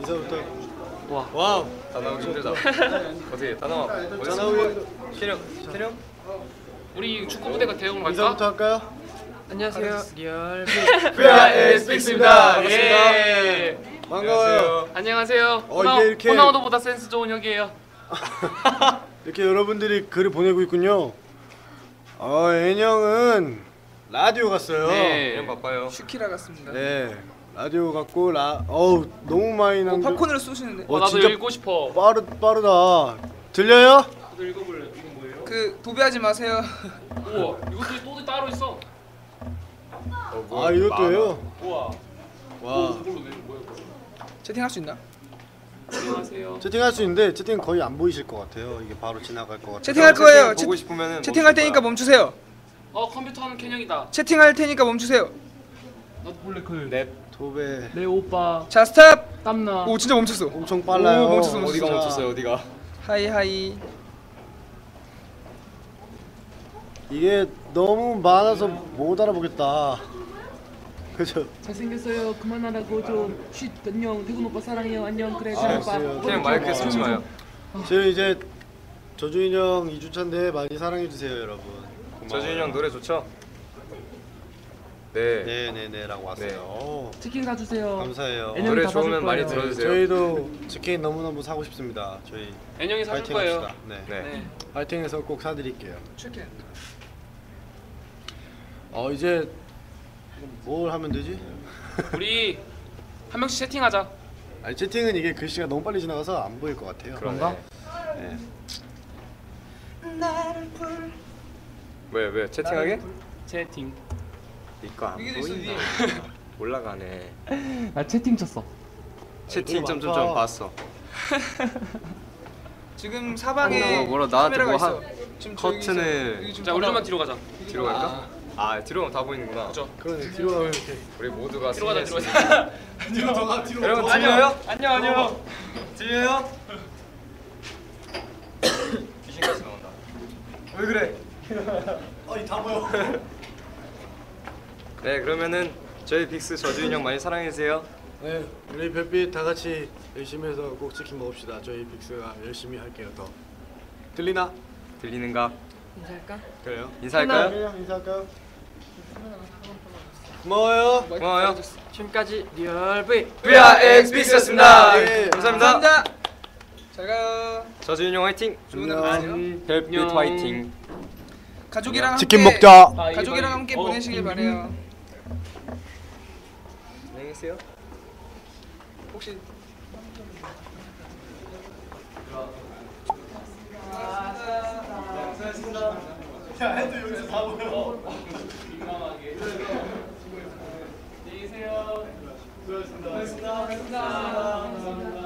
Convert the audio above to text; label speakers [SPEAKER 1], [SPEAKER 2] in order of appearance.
[SPEAKER 1] 인사부터.
[SPEAKER 2] 와.
[SPEAKER 1] 와우.
[SPEAKER 3] 다 나오기 힘들다. 어떻게 다 나와? 어디 나오기? 신영.
[SPEAKER 2] 우리 축구 무대가 대형
[SPEAKER 1] 인사부터
[SPEAKER 2] 갈까?
[SPEAKER 1] 할까요?
[SPEAKER 2] 안녕하세요. 리얼
[SPEAKER 3] 빅스입니다.
[SPEAKER 2] 예.
[SPEAKER 1] 반가워요.
[SPEAKER 2] 안녕하세요.
[SPEAKER 1] 이게 이렇게-
[SPEAKER 2] 호나우도보다 센스 좋은 혁이에요.
[SPEAKER 1] 이렇게 여러분들이 글을 보내고 있군요. 애녕은 라디오 갔어요.
[SPEAKER 2] 네.
[SPEAKER 3] 신영 바빠요.
[SPEAKER 4] 슈키라 같습니다.
[SPEAKER 1] 네. 라디오 갔고 너무 많이 난.
[SPEAKER 4] 팝콘으로 쏘시는데.
[SPEAKER 1] 어,
[SPEAKER 2] 나도
[SPEAKER 1] 진짜
[SPEAKER 2] 읽고 싶어.
[SPEAKER 1] 빠르다. 들려요?
[SPEAKER 2] 나도 읽어볼래. 이건 뭐예요?
[SPEAKER 4] 그 도배하지 마세요.
[SPEAKER 2] 우와. 이것도 또 따로 있어.
[SPEAKER 1] 이것도예요.
[SPEAKER 2] 우와.
[SPEAKER 1] 와.
[SPEAKER 2] 이걸로 내는 뭐야? 이거?
[SPEAKER 4] 채팅할 수 있나?
[SPEAKER 2] 안녕하세요.
[SPEAKER 1] 채팅할 수 있는데 채팅 거의 안 보이실 것 같아요. 이게 바로 지나갈 것 같아요.
[SPEAKER 4] 채팅할 거예요.
[SPEAKER 3] 보고 싶으면은
[SPEAKER 4] 채팅할 테니까 멈추세요.
[SPEAKER 2] 컴퓨터 하는 캔형이다.
[SPEAKER 4] 채팅할 테니까 멈추세요.
[SPEAKER 2] 나도 볼래 그.
[SPEAKER 3] 넵.
[SPEAKER 1] 도배
[SPEAKER 2] 내 오빠
[SPEAKER 4] 자 스탑.
[SPEAKER 2] 땀나.
[SPEAKER 4] 오 진짜 멈췄어.
[SPEAKER 1] 엄청 빨라요.
[SPEAKER 4] 오, 멈췄어.
[SPEAKER 3] 어디가
[SPEAKER 1] 진짜.
[SPEAKER 3] 멈췄어요? 어디가?
[SPEAKER 4] 하이 하이.
[SPEAKER 1] 이게 너무 많아서 못 알아보겠다. 그죠?
[SPEAKER 2] 잘생겼어요. 그만하라고 좀. 쉿. 안녕. 태군 오빠 사랑해요. 안녕. 그래.
[SPEAKER 1] 아,
[SPEAKER 2] 오빠.
[SPEAKER 1] 알았어요.
[SPEAKER 3] 그냥 마이크에 쓰지 마요.
[SPEAKER 1] 저희 이제 저주인 형 2주차인데 많이 사랑해 주세요, 여러분.
[SPEAKER 3] 저준이 형 노래 좋죠? 네.
[SPEAKER 1] 네네네라고 왔어요.
[SPEAKER 2] 치킨 사주세요.
[SPEAKER 1] 감사해요.
[SPEAKER 2] 애녕이
[SPEAKER 3] 노래
[SPEAKER 2] 다 사줄
[SPEAKER 3] 좋으면 많이
[SPEAKER 2] 거예요.
[SPEAKER 3] 들어주세요.
[SPEAKER 1] 저희도 치킨 너무너무 사고 싶습니다. 저희
[SPEAKER 2] 애녕이 사줄
[SPEAKER 1] 파이팅
[SPEAKER 2] 거예요.
[SPEAKER 1] 합시다. 네.
[SPEAKER 3] 네.
[SPEAKER 1] 파이팅해서 꼭 사드릴게요.
[SPEAKER 4] 치킨.
[SPEAKER 1] 이제 뭘 하면 되지?
[SPEAKER 2] 우리 한 명씩 채팅하자.
[SPEAKER 1] 아니 채팅은 이게 글씨가 너무 빨리 지나가서 안 보일 것 같아요.
[SPEAKER 2] 그런가?
[SPEAKER 1] 네.
[SPEAKER 3] 왜 채팅하게?
[SPEAKER 2] 채팅.
[SPEAKER 3] 이거 안
[SPEAKER 4] 여기도 있어,
[SPEAKER 3] 보인다. 올라가네.
[SPEAKER 2] 나 채팅 쳤어.
[SPEAKER 3] 채팅
[SPEAKER 1] 많다.
[SPEAKER 3] 점점점 봤어.
[SPEAKER 4] 지금 사방에
[SPEAKER 3] 뭐라 나한테
[SPEAKER 4] 카메라가
[SPEAKER 3] 뭐
[SPEAKER 4] 있어. 지금
[SPEAKER 3] 커튼을
[SPEAKER 4] 여기 지금
[SPEAKER 2] 자, 우리 좀만 뒤로 가자.
[SPEAKER 3] 뒤로 갈까? 뒤로 가면 다 보이는구나.
[SPEAKER 2] 그죠?
[SPEAKER 1] 그러네. 뒤로 가면 이렇게.
[SPEAKER 3] 우리 모두가
[SPEAKER 2] 뒤로 가자. 뒤로
[SPEAKER 3] 승리했습니다.
[SPEAKER 2] 가자.
[SPEAKER 3] 여러분 들려요?
[SPEAKER 2] 안녕.
[SPEAKER 3] 들려요? 귀신같이 나온다. 왜 그래?
[SPEAKER 1] 다 보여.
[SPEAKER 3] 네 그러면은 저희 빅스 저주인 형 많이 사랑해주세요.
[SPEAKER 1] 네, 우리 별빛 다 같이 열심히 해서 꼭 치킨 먹읍시다. 저희 빅스가 열심히 할게요. 더. 들리나?
[SPEAKER 3] 들리는가?
[SPEAKER 2] 인사할까?
[SPEAKER 1] 그래요?
[SPEAKER 3] 인사할까요?
[SPEAKER 1] 그래요. 인사할까요? 고마워요.
[SPEAKER 3] 고마워요.
[SPEAKER 2] 지금까지 리얼 V.
[SPEAKER 3] VRX 빅스였습니다.
[SPEAKER 1] 네.
[SPEAKER 3] 감사합니다.
[SPEAKER 4] 감사합니다. 잘 가요.
[SPEAKER 3] 저주인 형 화이팅.
[SPEAKER 4] 좋은
[SPEAKER 1] 안녕.
[SPEAKER 4] 하루 되세요.
[SPEAKER 3] 별빛
[SPEAKER 2] 안녕.
[SPEAKER 3] 화이팅.
[SPEAKER 4] 가족이랑
[SPEAKER 1] 치킨
[SPEAKER 4] 함께
[SPEAKER 1] 먹자.
[SPEAKER 4] 가족이랑 함께 보내시길 바래요.
[SPEAKER 3] 안녕히 계세요.
[SPEAKER 4] 혹시
[SPEAKER 2] 민감하게. 안녕히 계세요. 수고하셨습니다. 수고하셨습니다.